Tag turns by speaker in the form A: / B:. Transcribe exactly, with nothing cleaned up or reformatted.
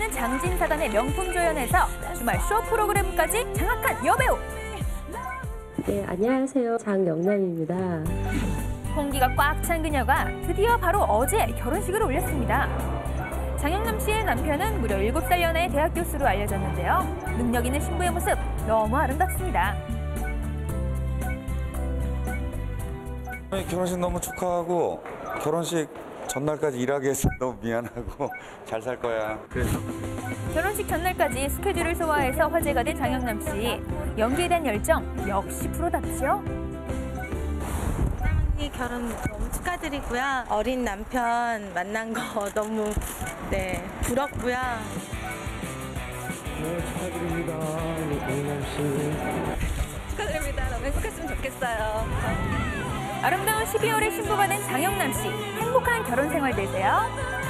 A: 넘치는 장진사단의 명품 조연에서 주말 쇼 프로그램까지 장악한 여배우.
B: 네, 안녕하세요. 장영남입니다.
A: 홍기가 꽉 찬 그녀가 드디어 바로 어제 결혼식을 올렸습니다. 장영남 씨의 남편은 무려 일곱 살 연하의 대학 교수로 알려졌는데요. 능력 있는 신부의 모습 너무 아름답습니다.
C: 결혼식 너무 축하하고 결혼식 전날까지 일하게 해서 너무 미안하고 잘 살 거야. 그래서
A: 결혼식 전날까지 스케줄을 소화해서 화제가 된 장영남 씨. 연기에 대한 열정 역시 프로답죠.
D: 사랑니 결혼 너무 축하드리고요. 어린 남편 만난 거 너무 네 부럽고요.
E: 네, 축하드립니다. 영남 씨.
D: 축하드립니다. 너무 행복했으면 좋겠어요.
A: 아름다운 십이월의 신부가 된 장영남 씨. 행복한 결혼 생활 되세요.